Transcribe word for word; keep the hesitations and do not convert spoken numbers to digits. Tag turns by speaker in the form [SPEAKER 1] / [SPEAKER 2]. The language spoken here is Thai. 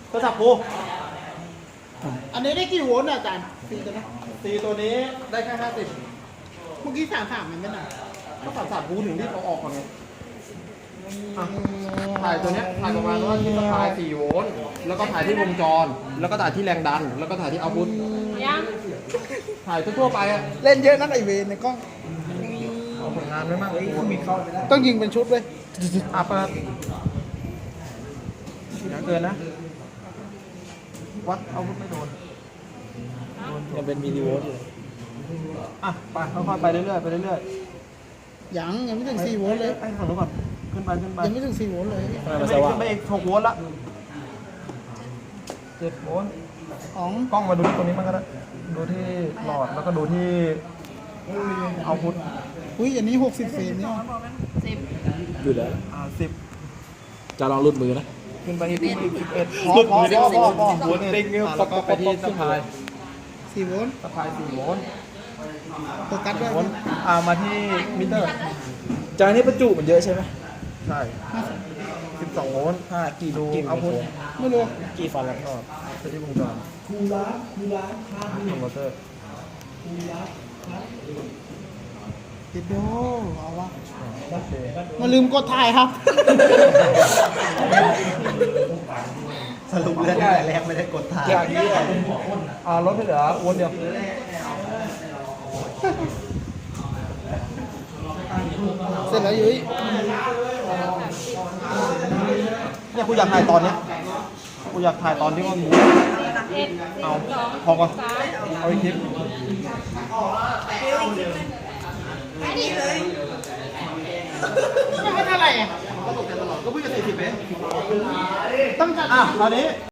[SPEAKER 1] ก็จับกู
[SPEAKER 2] อันนี้ได้กี่โวลต์อ่ะอาจารย์ตีตัวนี้
[SPEAKER 1] ตีตัวนี้ได้แค่ห้าสิบ
[SPEAKER 2] เมื่อกี้สามสามมันไม่หนา
[SPEAKER 1] ก็ตัดสามกูถึงรีบเอาออกก่อนไงอ่ะถ่ายตัวเนี้ยถ่ายประมาณว่าที่สปายสี่โวลต์แล้วก็ถ่ายที่วงจร แล้วก็ถ่ายที่แรงดัน แล้วก็ถ่ายที่เอาพุท
[SPEAKER 3] ยัง
[SPEAKER 1] ถ่ายทั่วๆไปอะ
[SPEAKER 2] เล่นเยอะนั่นไอเวนในกล้อง
[SPEAKER 1] เอาผลงานไว้มากกูมีเข้าไปได้
[SPEAKER 2] ต้องยิงเป็นชุดเลย
[SPEAKER 1] อ่ะเปิดอย่าเกินนะ วัดเอาพุทไม่โดน
[SPEAKER 4] ยังเป็นมิลลิโวลต์อยู่
[SPEAKER 1] อ่ะไปค่อยๆไปเรื่อยๆไปเรื่อย
[SPEAKER 2] ยังยังไม่ถึง
[SPEAKER 1] ๆ
[SPEAKER 2] สี่โวลต์เลย
[SPEAKER 1] ไปฝั่งนู้นก่อนขึ้นไปขึ้นไป
[SPEAKER 2] ยังไม่ถึงสี่โวลต์เลย
[SPEAKER 4] ทำไม
[SPEAKER 1] ขึ้
[SPEAKER 4] มัน
[SPEAKER 1] น
[SPEAKER 4] ส
[SPEAKER 1] ไป
[SPEAKER 4] ว่าง
[SPEAKER 1] ขึ้นไปอีกหกโวลต์ละ เจ็ดโวลต์
[SPEAKER 2] อ๋อง
[SPEAKER 1] กล้องมาดูที่ตรงนี้มันก็ได้ดูที่หลอดแล้วก็ดูที่เอาพุท
[SPEAKER 2] อุ้ยอันนี้หกสิบเฟรมเนี่ย
[SPEAKER 3] สิบ
[SPEAKER 4] หยุดแล้ว
[SPEAKER 1] อ่าสิบ
[SPEAKER 4] จะลองรุดมือนะ
[SPEAKER 1] ขึ้นไปที่สิบเอ็ดพอ
[SPEAKER 4] หลุด
[SPEAKER 1] พอ
[SPEAKER 4] มือได้
[SPEAKER 1] พอ
[SPEAKER 4] สิบ
[SPEAKER 1] พอพอ
[SPEAKER 4] โวลต์ติ๊งเนี่ย
[SPEAKER 1] แล้วก็ไปที่สะพาย
[SPEAKER 2] สี่โวลต์
[SPEAKER 1] สะพายสี่โวลต์
[SPEAKER 2] โฟกัสด้วย
[SPEAKER 1] โวลต์อ่ามาที่มิเตอร์
[SPEAKER 4] จานนี้ประจุมันเยอะใช่ไหม
[SPEAKER 1] ใช่สิบสองโวลต์
[SPEAKER 4] ห้ากี่
[SPEAKER 1] ดู
[SPEAKER 4] กี่
[SPEAKER 1] เอาพุท
[SPEAKER 2] ไม่รู้
[SPEAKER 4] กี่ฟันแล้ว
[SPEAKER 1] ก็ไปที่วงจรคูล้างคูล้างคอนเวอร์เตอร์
[SPEAKER 2] ติดโดเอาวะ
[SPEAKER 1] โอเค
[SPEAKER 2] มาลืมกดถ่ายครับ
[SPEAKER 5] สรุปเรื่องแต่แรกไม่ได้กดถ่าย
[SPEAKER 1] จากนี้อ่าลดให้เหลือโวลต์เดียว
[SPEAKER 2] เสร็จแล้วยุ้ย
[SPEAKER 1] เนี่ยกูอยากถ่ายตอนเนี้ยกูอยากถ่ายตอนที่ว่ามู
[SPEAKER 3] เอ็ด
[SPEAKER 1] เอา
[SPEAKER 3] สอง
[SPEAKER 1] พอก่อน
[SPEAKER 3] สาม
[SPEAKER 1] เอาอีกคลิป
[SPEAKER 2] ไม่ให้เท่าไหร่อ่ะ
[SPEAKER 1] ก็เพิ่งจะสี่สิบเอง
[SPEAKER 2] ต้องจัด
[SPEAKER 1] อ่ะตอนนี้